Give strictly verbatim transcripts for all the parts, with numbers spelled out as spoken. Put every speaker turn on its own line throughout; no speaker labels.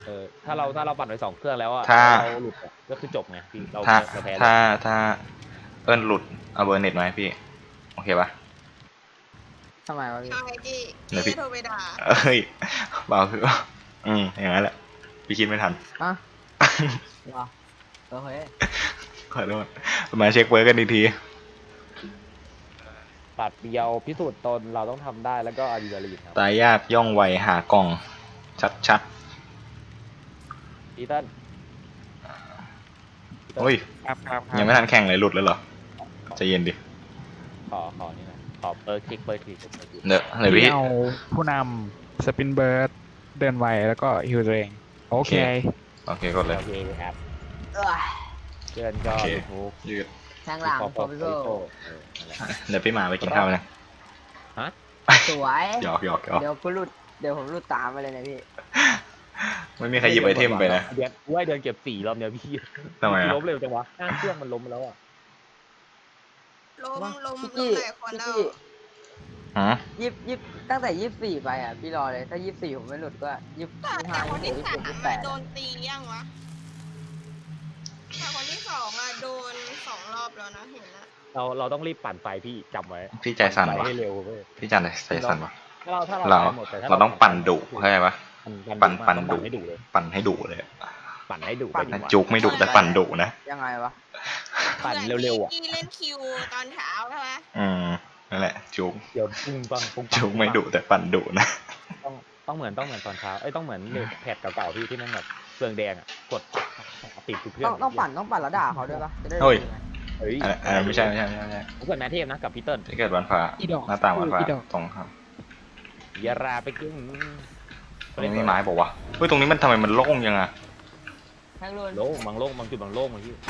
เออถ้าเราถ้าเราปั่นไปสองเครื่องแล้วอ่ะ
ถ้า
เราหลุดอะก็คือจบไงพี่เรา
ถ้า
เราแพ้เลย
ถ้าถ้าเอิ้นหลุดเอาเบอร์เน็ตมาให้พี่โอเคปะ
ทำไมวะพี่
ใช่พี่
เดี๋ยวพี่
พี่จะโทรไปด่า
เอ้ยเปล่าคือ อืมอย่างนั้นแหละพี่คิดไม่ทัน
อ่ะวะโอเค
ขอโทษมาเช็คเวิร์กกันอีกที
ตัดเดียวพิสูจน์ตนเราต้องทำได้แล้วก็อะดรีนาลีนครับ
ตายยากย่องไวหากล่อง ชัดชัด
พีเติ้ล
ๆโอ้ย
ครับครับครับ
ยังไม่ทันแข่งเลยหลุดแล้วเหรอใจเย็นดิ
ขอขอนี่นะขอเปิดคลิกเปิดคลิกเปิดคลิก
เดี๋ยวเดี๋ยวพี่
เอาผู้นำสปินเบิร์ดเดินไวแล้วก็ฮิวตัวเองโอเค
โอเคกดเลย
โอเคครับ
เอ้ย
เชิญก็
โอเค
ยูทูบ
ยืด
ทางหลัง
ขอ
โปรฟิโซ
เดี๋ยวพี่มาไปกินข้าวนะ
ฮะ
สวย
หยอกหยอกหยอก
เดี๋ยวกูหลุดเดี๋ยวผมหลุดตามไปเลยนะพี่
ไม่มีใครหยิบไอเทมไปนะ
เดือนว่าเดือนเก็บสี่รอบเนี้ยพี่
ทำไมอะ
ล้มเร็วจังวะข้างเครื่องมันล้มไปแล้วอ่ะ
ล้มล้ม
พี่
ล้
กี้
มหลายคน
พี่
แล้ว
กี้
ฮะ
ยิบยิบตั้งแต่ยี่สิบสี่ไปอ่ะพี่รอเลยถ้ายี่สิบสี่ผมไม่หลุดก็ยี่สิบ
แต่
ห้า
คน
ยี่
ที่
สิบห
สาก ม
ยี่สิบแป
อะ
ด
โดนตียังวะแต่คนที่สองอะโดนสองรอบแล้วนะเห็นนะ
เราเราต้องรีบปั่นไฟพี่จำไว้
พี่ใจสั่น
ไป
วะ
ให้เร็วเว้ย
พี่จันใจสั่นวะ
ถ้าเราถ้าเรา
เรา
ไปหมดแต่ถ้า
เราต้องปั่นดุเข้าใจปะ ปั่นปั่นดุ
ให้ดุเลย
ปั่นให้ดุเลย
ปั่นให้ดุไปดีกว่า
จุกไม่ดุแต่ปั่นดุนะ
ยังไงวะ
ปั่นเร็วๆอ่ะ
ที่เล่นคิวตอนเช้าใช่ไหม
อืมนั่นแหละจุก
เดี๋ยวปุ้งปังปุ้งปัง
จุกไม่ดุแต่ปั่นดุนะ
ต้องต้องเหมือนต้องเหมือนตอนเช้าเอ้ยต้องเหมือนเลขแพดเก่าๆพี่ที่มันแบบเฟืองแดงอ่ะกดติดทุกเครื่อ
ต้อง งต้องปั่นต้องปั่นแล้วด่าเขาด้วยปะจะได้
เฮ้ย
รู้ไง
เฮ้ย
อันนั้นอันนั้นไม่ใช่ไม่ใช่ไม่ใช่ไม่ใช่
ผมเกิดแมทเทพนะกับพีเติ้ล
ที่เกิดวันฟ้า
อีดอก
หน้าต่างวันฟ้า
อีดอก
ตรงครับ
อยาราไปกึ่ง
ตรงนี้มีไม้บอกว่าวะเฮ้ยตรงนี้มันทำไมมันโล่งยังอะ
แทงรุน
โล่งบางโล่งบางจุดบางโล่งบางที่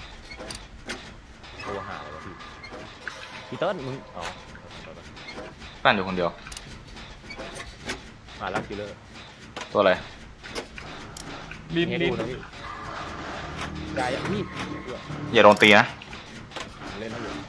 โทรหาเลยวะพี่พีเติ้ลมึงอ๋อ
ปั่นอยู่คนเดียว
มาแล้วคิลเลอร์
ตัวอะไร
ลิน
ให้
ลิ
ดู
น
นะพี่กายพี่
อย่าโดนตีนะ
เล่นนะอยู่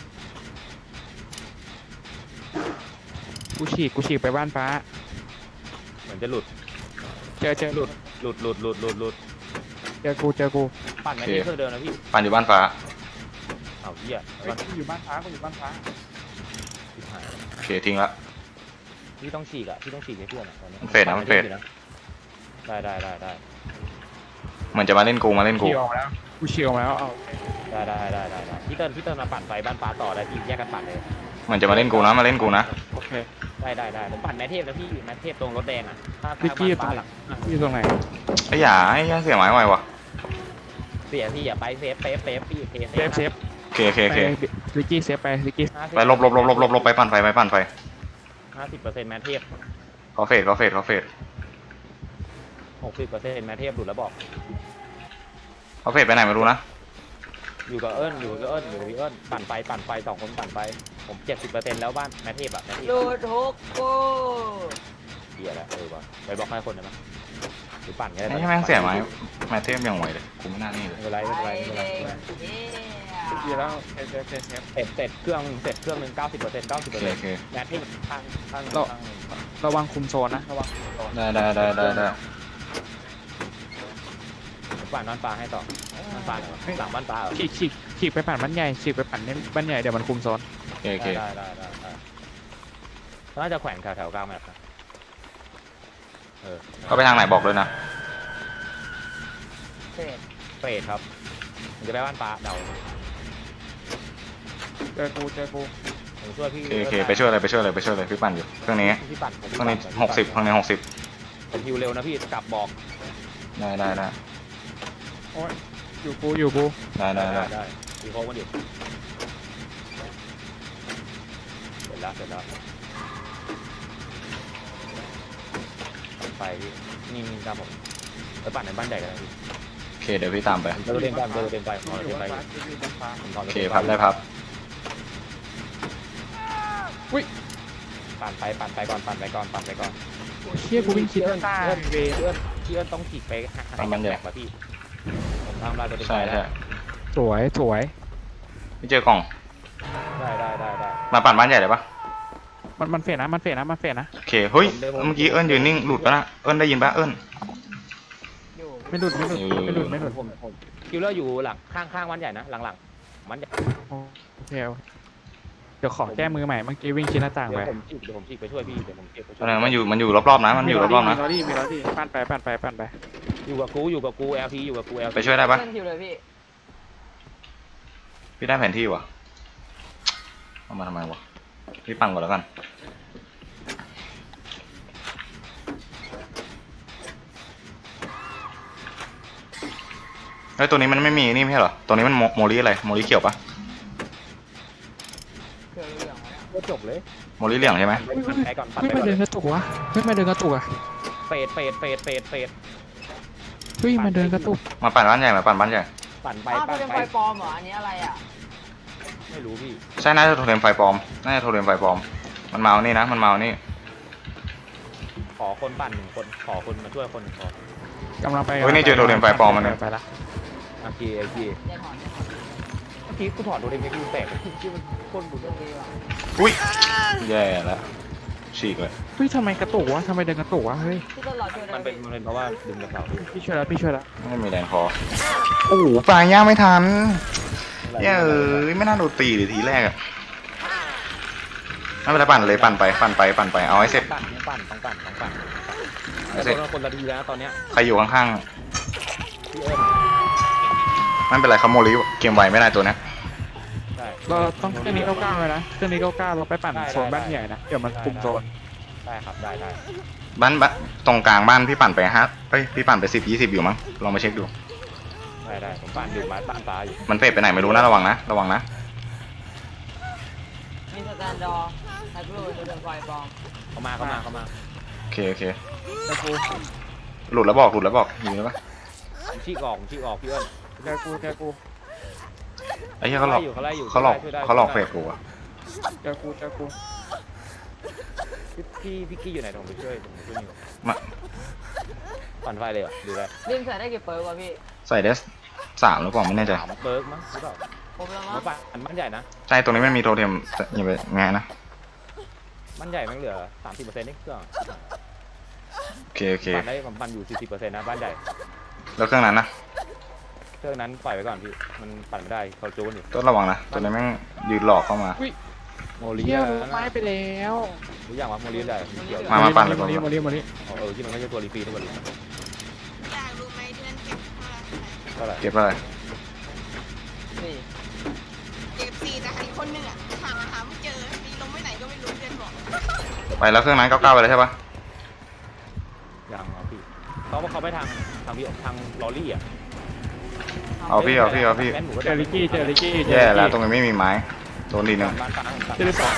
กูฉีกกูฉีกไปบ้านฟ้า
เหมือนจะหลุด
เจอเจอหลุด
หลุดหลุดหลุดหลุดหลุด
เจอกูเจอกู
ปั่นแมทเทพเครื่องเดิมนะพี่
ปั่นอยู่บ้านฟ้า
เอาเหี้ย
เฮ้ย
มัน
กูอยู่บ้านฟ้ากูอยู่บ้านฟ้า
ชิบหาย
โอเคทิ้งละ
พี่ต้องฉีกอ่ะพี่ต้องฉีกให้เพื่อนอ่ะตอนนี้
มันเฟดนะมันเฟด
ได้ได้ได้ได้
เหมือนจะมาเล่นกูมาเล่นกู
เชียวออกมาแล้วกูเชียวออกมาแล้วเอา
ได้ได้ได้ได้ได้พี่เติ้ลพี่เติ้ลมาปั่นไฟบ้านฟ้าต่อได้พี่แยกกันปั่นเลย
เหมือนจะมาเล่นกูนะมาเล่นกูนะ
โอเค
ได้ได้ได้ผมปั่นแมทเทพแล้วพี่แมทเทพตรงรถแดงอ่ะถ้า
วิกกี้อยู่ตร
ฟ้าง
ไห
ห
น
ลัง
อยู่ตรงไหน
ไอ้หยาไอ้ยาเสียไม้ไววะ
เสียพี่อย่าไปเซฟเซฟเซฟพี่เซฟ
เซฟเซฟ
โอเคโอเคโอ
ไป
เค
วิกกี้เซฟไปวิกกี้
ไปลบลบลบลบลบลบไปปั่นไฟไปปั่นไฟ
ห้าสิบเปอร์เซ็นต์แมทเทพ
เขาเฟดเขาเฟดเขาเฟด
หกสิบเปอร์เซ็นต์แมทเทพหลุดแล้วบอก
เขาเฟดไปไหนไม่รู้นะ
อยู่กับเอิญอยู่กับเอิญอยู่กับพี่เอิญปั่นไฟปั่นไฟสองคนปั่นไฟผมเจ็ดสิบเปอร์เซ็นต์แล้วบ้านแมทเทพอะแมทเทพ
หลุดฮกกู
เดียแล้วเออว่ะไปบอกให้คนได้ไหมหรือปั่นก็ได้
ไอ้แม่งเสียไม้แมทเทมยังไหวเลยกูไม่น่านี่เลย
ไม่เป็นไรไม่เป็นไรไม่เป็นไร
วิกกี้แล้วเซฟเซฟเซฟเซฟ
เสร็จเสร็จเครื่องเสร็จเครื่องหนึ่งเก้าสิบเปอร์เซ็นต์เก้าสิบ
โอ
เปอร์
เค
เซ็นต์
โอเค
แมทเทพข้างข้างข้างหนึ่ง
ระวังคุมโซนนะระวังคุมโซน
ได้ได้ได้ได้ได้
ปั่นบ้านปลาให้ต่อบ้านปลาเหรอหลังบ้านปลาเหรอ
ฉีกฉีกฉีกไปปั่นบ้านใหญ่ฉีกไปปั่นเนี่ยบ้านใหญ่เดี๋ยวมันคุมโซน
โอเคโอเค
ได้ได้ได้ได้น่าจะแขวนแถวแถวกลางแบบนะเออ
เขาไปทางไหนบอกด้วยนะ
เสร็จ
เฟดครับมันจะไปบ้านปลาเดา
เจอกูเจอกู
ผมช่วยพี่
โอเคโอเคไปช่วยเลยไปช่วยเลยไปช่วยเลยพี่ปั่นอยู่เครื่องนี้
พี่ปั่นผม
เครื่องนี้หกสิบเครื่องนี้หกสิบ
ผมฮิวเร็วนะพี่กลับบอก
ได้ได้ได้
โอ้ยอยู่กูอยู่กู
ได้ได้ได้
ได้พี่โค้งมาดิเสร็จแล้วเสร็จแล้วไปพี่นี่นี่ตามผมไปปั่นในบ้านใหญ่กันนะพี่
โอเคเดี๋ยวพี่ตามไป
เดินเดินไปเดินเดินไปขอ
อยู่
เดินไป
บ้านฟ้าอยู่บ้านฟ้า
ผมขอ
โอ
เดิน
เค
ไป
พับได้พับ
ปั่นไปปั่นไปก่อนปั่นไปก่อนปั่นไปก่อน
เชี่ยกูวิ่งคิดว่าตา
เพื่อน
เว
เพื่อนเพื่อนต้องฉีกไปหาหาแบกมาพี่ผมทำได้ตัวเอง
ใช่ใช่
สวยสวย
ไม่เจอกล่อง
ได้ได้ได้ได้
มาปั่นบ้านใหญ่เลยปะ
มันมันเฟดนะมันเฟดนะมันเฟดนะ
โอเคเฮ้ยเมื่อกี้เอิญยืนนิ่งหลุดปะนะเอิญได้ยินปะเอิญ
อยู่
ไม่หลุดไม่หลุดไม่หลุดไม่หลุด
ผมผมคิวเลอร์อยู่หลังข้างข้างวันใหญ่นะหลังๆมันใหญ่
โอเคโอเคเดี๋ยวขอแก้มือใหม่เมื่อกี้วิ่งชิ้นหน้าต่าง
เดี๋ย
ไป
วผมฉีกเดี๋ยวผมฉีกไปช่วยพี่เดี๋ยวผมฉีกไปช่
อะ
วย
ไรมันอยู่มันอยู่รอบๆนะมันอยู่รอบๆนะ
มีลอรี่มีลอรี่ปั่นไปปั่นไปปั่นไป
อยู่กับกูอยู่กับกู แอล พี อยู่กับกู แอล พี
ไปช่วยได้ปะ
เพื่อนคิวเลยพี่
พี่ได้แผนที่วะเอามาทำไมวะพี่ปั่นก่อนแล้วกันเฮ้ยตัวนี้มันไม่มีนี่ไม่ใช่เหรอตัวนี้มันโมโมลิอะไรโมลิเขียวปะ
เพื่อนเหลืองๆวะเนี่ย
ก็จบเลย
โมลิเหลืองใช่ไหม
ปั่นไปก่อนปั่น
เฮ้ย
ไป
มา
ก่อน
เดินกระตุกวะเฮ้ยมาเดินกระตุกอะ
เฟดเฟดเฟดเฟดเฟด
เฮ้ยมาเดินกระตุก
มาปั่นบ้านใหญ่มาปั่นบ้านใหญ่
ปั่นไป
อ้าว
ปั่น
เป็น
ไป
ไฟปลอมเหรออันนี้อะไรอ่ะ
ไม่รู้พี่
ใช่น่าจะโทรเทมไฟปลอมน่าจะโทรเทมไฟปลอมมันเมานี่นะมันเมานี่
ขอคนปั่นหนึ่งคนขอคนมาช่วยคนหนึ่งคน
กำลังไป
เฮ้ยนี่เจอโทรเทมไฟปลอมมันเนี่ย
ไปละ
โอเคโอเค
เดี๋ยวถอนเดี๋ยวถอน
เมื่อกี้กูถอดโดเรมอนกูแตกที่มันคนบุญ
เรื่องนี้ว่ะ
อุ้ยแย่แล้วฉีกเลย
เฮ้ยทำไมกระตุกวะทำไมเดินกระตุกวะเฮ้ย
พี่ต้นรอช่วยได้
มัน
ไหม
เป็นมันเป็นเพราะว่าดึงกระเป๋าพี่
พี่ช่วยแล้วพี่ช่วยแล้ว
ไม่มีแรงพอโอ้โหปลาย่างไม่ทันเย้เอ้ยไม่น่าโดนตีเลยทีแรกอะไม่เป็นไรปั่นเลยปั่นไปปั่นไปปั่นไปเอาให้เสร็จ
ปั่นต้องปั่นต้องปั่นต้องปั่น
เอาให้
แต่
เสร็จ
คนละทีแล้วนะตอนเนี้ย
ใครอยู่ข้าง
พี่เอิญ
ๆไม่เป็นไรเขาโมลิเกมไวไม่ได้ตัวเนี้ย
ใช่
เราต้องเครื่องนี้เก้าเก้าเลยนะเครื่องนี้เก้าเก้าเราไปปั่น
ได้
โซนบ้าน
ได้
ใหญ่นะเดี๋ยวมันกลุ่มโซน
ได้ครับได้ได้
บ้านบ้านตรงกลางบ้านพี่ปั่นไปฮะเฮ้ยพี่ปั่นไปสิบยี่สิบอยู่มั้งลองมาเช็คดู
ได้ได้ผมปั่นอยู่มาปั่นตาอยู่
มันเฟดไปไหนไม่รู้นะระวังนะระวังนะ
มีสแตนดอร์ไฮเปอร์จะเป็นไฟปลอม
เข้ามาเข้ามาเข้ามา
โอเคโอเค
เจอกู
หลุดแล้วบอกหลุดแล้วบอกอยู่แล้วปะ
ผมชี้ออกผมชี้ออกพี่เอิญ
เจอกูเจอกู
ไอ้เหี้ยเขาหลอก
ไล่อยู่เขาไล่อยู่
เขาหลอก
ช่วยได้
เขาหลอก
ช่
เฟ
วย
ด
ได้
กูอะ
เจอกูเจอกู
พี่พี่พี่กี้อยู่ไหนผมไปช่วยผมไปช่วยนี่
มา
ปั่นไฟเลยเหรอดูได้
ริมใส่ได้กี่เปิร์กวะพี่
ใส่เดสสามหรือเปล่าไม่แน่ใจ
สามเบิร์กมั้งหรือเปล่า
ผมแล้ว
ผม
มั้ง
ปั่นบ้านใหญ่นะ
ใช่ตรงนี้ไม่มีโทรเทมอย่าไปแงะนะ
บ้านใหญ่มันเหลือสามสิบเปอร์เซ็นต์นี่เครื่อง
โอเคโอเค
ปั่นได้ผมปั่นอยู่สี่สิบเปอร์เซ็นต์นะบ้านใหญ่
แล้วเครื่องนั้นนะ
เครื่องนั้นปล่อยไว้ก่อนพี่มันปั่นไม่ได้เขาจูนอยู่
ต้องระวังนะตัวนี้แม่งยืนหลอกเข้ามา
โมลี
เที่ยว
นะ
ไม้ไปแล้ว
รู้อย่างว่าโมลีได้เกี่ยว
มามาปั่นเลย
โมลิโมลิโมลิ
เออที่มันไม่ใช่ตัวรีฟีทุกคน
อยากรู้ไหมเดือนเก็บเท่าไหร่
เท่าไหร่
เก็บอะไร
สี่
เก็บสี่แต่อีกคนหนึ่งอ่ะหาหาไม่เจอมีลงไปไหนก็ไม่รู้เดือนบอก
ไปแล้วเครื่องนั้นเก้าเก้าไปแล้วใช่ปะ
ยังเอาพี่เขาเขาไปทางทางพี่ทางลอรี่อ่ะ
เอาพี่เอาพี่เอาพี่
งั้นหนูก็
เจอริกกี้เจอริกกี้เจอ
แย่
ริก
แล้ว
กี้
ตรงนี้ไม่มีไม้โดนดีหนึ่ง
บ้านฟ้าผมตัด
เจอริกกี้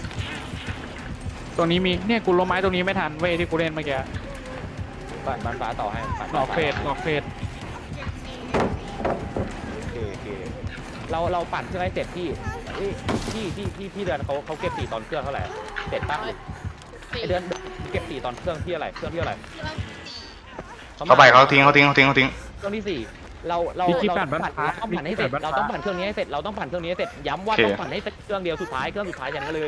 ตรงนี้มีเนี่ยกูลงไม้ตรงนี้ไม่ทันเว้ยที่กูเล่นเมื่อกี้
บ้านบ้านฟ้าต่อให้ปั่น
หลอกเฟดหลอกเฟด
เก็บสี่
โอเคโอเคเราเราปั่นเครื่องให้เสร็จพี่เอ้ยพี่พี่พี่พี่เดือนเขาเขาเก็บสี่ตอนเครื่องเท่าไหร่เสร็จตั้ง
สี่
ไอเดือนเก็บสี่ตอนเครื่องที่อะไรเครื่องที่อะไร
เครื่องสี่
เข้าไปเขาทิ้งเขาทิ้งเขาทิ้งเขาทิ้ง
เครื่องที่สี่เราเรา
พี่กี้
เรา
ปั่นบ้าน
ปั่น
ฟ้า
เราต้องปั่นให้เสร็จเราต้องปั่นเครื่องนี้ให้เสร็จเราต้องปั่นเครื่องนี้ให้เสร็จย้ำว่าต้องปั่นให้เสร็จเครื่องเดียวสุดท้ายเครื่องสุดท้ายอย่างนั้นเลย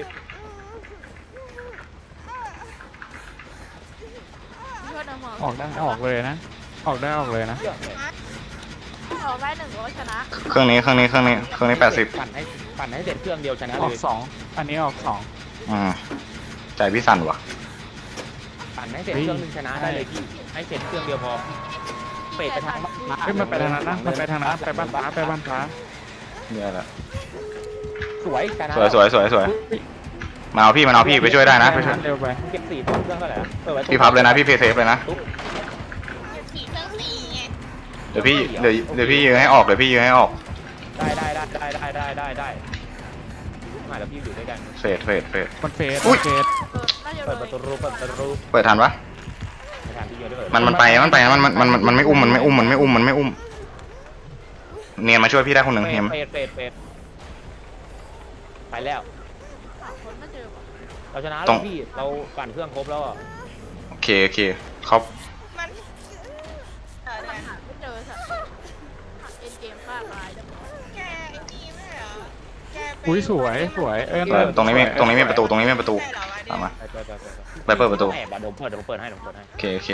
เพื่อนเอาหัว
ออกได้ออกเลยนะ ออกได้ออกเลยนะ
เครื่องเนี่ย
ออกได้หนึ่งก็ชนะ
เครื่องนี้เครื่องนี้เครื่องนี้เครื่องนี้แปดสิบ
ปั่นให้ปั่นให้เสร็จเครื่องเดียวชนะ
อ
เล
อก
ย
สองอันนี้ออกสอง
อืมใจพี่สั่นวะ
ปั่นให้เสร็จ
เฮ้ย
เครื่องหนึงชนะได้เลยพี่ให้เสร็จเครื่องเดียวพอเฟดไปทางบ้านฟ้า
เฮ้ยมันไปทางนั้นนะมันไปทางนั้นไปบ้านฟ้าไปบ้านฟ้า
แย่แล้ว
สวยชนะ
สวยสวยสวยสวยมาเอาพี่มาเอาพี่ไปช่วยได้นะไปช่วย
เร็วไป
เก็บสี่ตอนเครื่องเท่าไหร่นะเปิดไว้
พี่พับเลยนะพี่เพย์เซฟเลยนะ
ตุ๊บ
เก็บสี่เครื่องสี่ไง
เดี๋ยวพี่เดี๋ยวเดี๋ยวพี่ยืนให้ออกเดี๋ยวพี่ยืนให้ออก
ได้ได้ได้ได้ได้ได้ได้ได้มาแล้วพี่อยู่ด้วยกัน
เฟดเฟดเฟด
มันเฟส
อุ๊ย
เฟส
เออน่าจะ
เปิด
เล
ประ
ย
ตูรูเปิดประตูรู
เปิดทันปะ
ไม่ทันพี่เยอะด้วย
มันมันไปมันไปมันมันมันมันมันไม่อุ้มมันไม่อุ้มมันไม่อุ้มมันไม่อุ้มเนียนมาช่วยพี่ได้คนหนึ่งเห็นไหม
เฟดเฟดเฟดไปแล้ว
หาคนไม่เจอว่ะ
เราชนะแล้วพี่เราปั่นเครื่องครบแล้วอ่ะ
โอเคโอเคเขา
มันเออหาไม่เจอสัตว์หาเอ็นเกมฆ่าตายได้หมดแกไอ้นี่ไม่เหรอแกไป
อุ้ยสวยสวยเออ
เออตรงนี้มีตรงนี้มีประตูตรงนี้มีประตู
ใช่เหรอวะ
ตามมา
ไปไปไปไป
ไปเปิดประตู
แอบอะเดี๋ยวผมเปิดเดี๋ยวผมเปิดให้เดี๋ยวผมเปิดให้
โอเคโอเค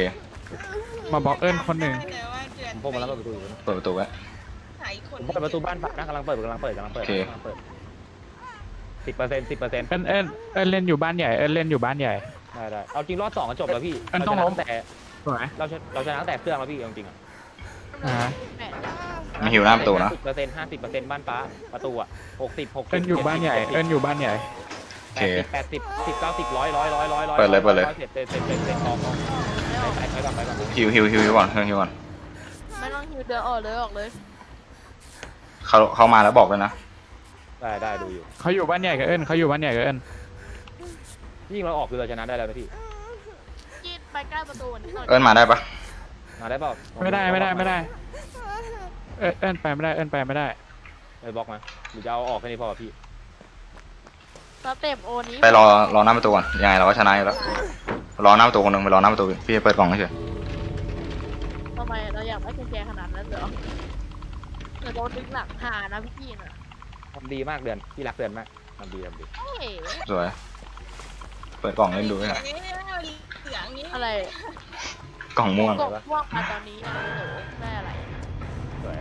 มาบล็อกเอิญคนหนึ่ง
แต่ว่าเดือน
ผมพกมาแล้วเปิดประตูอยู่นะ
เปิดประตูไว้
หายคน
ผมเปิดประตูบ้านฝักนะกำลังเปิดกำลังเปิดกำลังเปิด
โอเค
กำลังเปิดสิบเปอร์เซ็นต์สิบเปอร์เซ็นต์
เอิญเอิญเอิญเล่นอยู่บ้านใหญ่เอิญเล่นอยู่บ้านใหญ่
ได้ได้เอาจริงรอบสองก็จบแล้วพี่
อันต้องล้ม
เราชนะแต่
สวย
เราชนะเราชนะตั้งแต่เครื่องแล้วพี่เอาจริงๆอ่ะ
อ่า
แปด
มันหิวหน้าประตูนะ
สิบเปอร์เซ็นต์ห้าสิบเปอร์เซ็นต์บ้านฟ้าประตูอ่ะหกสิบหกสิบ
เอิญอยู่บ้านใหญ่เอิญอยู่บ้านใหญ่
โอเค
แปดสิบสิบเก้าสิบร้อยร้อยร้อยร้อยร้อย
เปิดเลยเปิดเลย
เสร็จเสร็จเสร็จเสร็จเสร็จออกออกไปไปไปก่อนไปก่อน
ฮิวฮิวฮิวฮิวก่อนฮิวก่อน
ไม่ต้องฮิวเดินออกเลยออกเลย
เขาเขามาแล้วบอกเลยนะ
ได้ได้ดูอยู่
เขาอยู่บ้านใหญ่กับเอิญเขาอยู่บ้านใหญ่กับเอิญ
ยิ่งเราออกคือเราชนะได้แล้วนะพี่
จีดไปใกล้ประตูนิดหน่อย
เอิญมาได้ปะ
มาได้เปล่า
ไม่ได้ไม่ได้ไม่ได้ เอิญเอิญไปไม่ได้เอิญไปไม่ได้
เลยบล็อกมาหรือจะเอาออกแค่นี้พอพี่
สเต็ปโอนี้
ไปรอรอหน้าประตูก่อนยังไงเราก็ชนะอยู่แล้วรอหน้าประตูคนหนึ่งไปรอหน้าประตูพี่จะเปิดกล่องเฉย
ทำไมเราอยากได้แกขนาดนั้นเหรอเดี๋ยวโดนดึงหลังหานะพี่จีนอ่ะ
ทำดีมากเดือนพี่รักเดือนมากทำดีทำดี
เฮ้ย
สวยเปิดกล่องเล่นดูด้วยนะ
อะไร
กล่องม่วง
กบพวกมาตอนนี้นะโอ้โหได้อะไร
สวย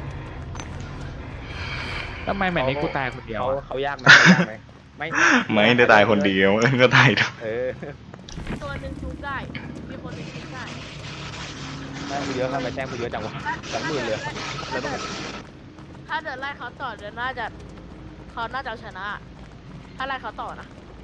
ทำไมแมตช์นี้กูตายคนเดียว
เขา
อะ
เขายากไหมเขายากไหมไม่
ไม่ได้ตายคนเดียวเอิญก็ตายด้วย
เออ
ตัวหนึ่งชุบได้ มีคนหนึ่งชุบได้
แต้มกูเยอะครับไปแต้มกูเยอะจังวะสองหมื่นเลยแล้วต้อง
ถ้าเดินไล่เขาต่อเดินน่าจะเขาน่าจะเอาชนะ ถ้าไล่เขาต่อนะ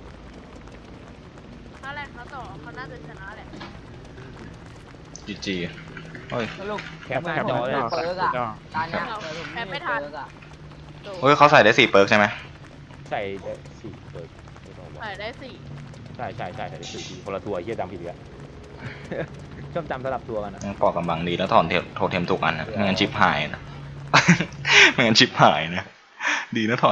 ถ้าไล่เขาต่อเขาน่าจะชนะแหละ
จีจีเฮ้ย
สรุป
แคปหน้าจอเลย
เปิร์กอะการเนี้ย
เรา
เออผม
แพ้ไม่ทัน
เปิร์กอะ
โด
เฮ้ยเขาใส่ได้สี่เปิร์กใช่ไหม
ใส่ได้สี่เปิดไม่ต้องบอก
ใส่ได้สี่
ใช่ใช่ใช่ใส่ได้สี่คนละตัวเฮียจำผิดอีกแล้ว ชอบจำสลับตัวกันนะ
ยังปอกกำบังดีแล้วถอนเทโทเทมทุกอันนะไม่งั้นชิปหายนะ ไม่งั้นชิปหายนะดีนะถอน